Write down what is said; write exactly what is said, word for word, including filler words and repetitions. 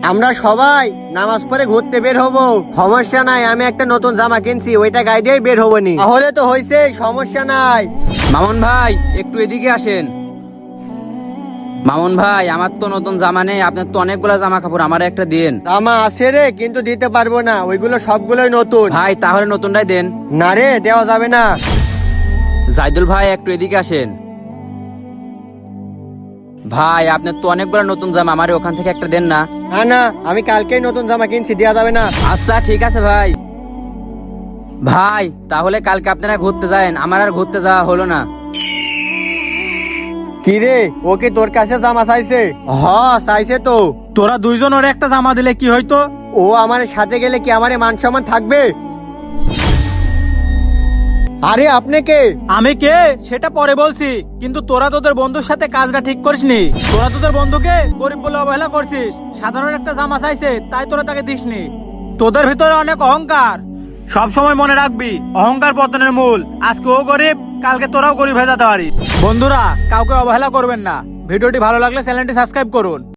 আমরা সবাই নামাজ পড়ে ঘুরতে বের হব, সমস্যা নাই। আমি একটা নতুন জামা কিনছি, ওইটা গায়ে দিয়ে বের হবো নি। তাহলে তো হয়েছে, সমস্যা নাই। মামুন ভাই একটু এদিকে আসেন। মামুন ভাই আমার তো নতুন জামা নেই, আপনার তো অনেকগুলা জামা কাপড়, আমার একটা দিন। জামা আছে রে, কিন্তু দিতে পারবো না, ওইগুলো সবগুলোই নতুন। ভাই তাহলে নতুনটাই দেন। না রে, দেওয়া যাবে না। জাইদুল ভাই একটু এদিকে আসেন। ভাই আপনার তো অনেকগুলো নতুন জামা, আমার ওখান থেকে একটা দেন না। না না, আমি কালকেই নতুন জামা কিনছি, দেওয়া যাবে না। আচ্ছা ঠিক আছে ভাই। ভাই তাহলে কালকে আপনারা ঘুরতে যাবেন, আমার আর ঘুরতে যাওয়া হলো না। কি রে, ও কি তোর কাছে জামা চাইছে? হ, চাইছে তো। তোরা দুইজন ওর একটা জামা দিলে কি হইতো? ও আমার সাথে গেলে কি আমার মান সম্মান থাকবে? আরে আপনি কে? আমি কে সেটা পরে বলছি, কিন্তু তোরা তোদের বন্ধুর সাথে কাজটা ঠিক করিসনি। তোরা তোদের বন্ধুকে গরিব বলে অবহেলা করছিস। সাধারণ একটা জামা চাইছে তাই তোরা তাকে দিসনি। তোদের ভিতরে অনেক অহংকার, সব সময় মনে রাখবি অহংকার পতনের মূল। আজকে ও গরিব, কালকে তোরাও গরিব হয়ে যেতে পারিস। বন্ধুরা কাউকে অবহেলা করবেন না। ভিডিওটি ভালো লাগলে চ্যানেলটি সাবস্ক্রাইব করুন।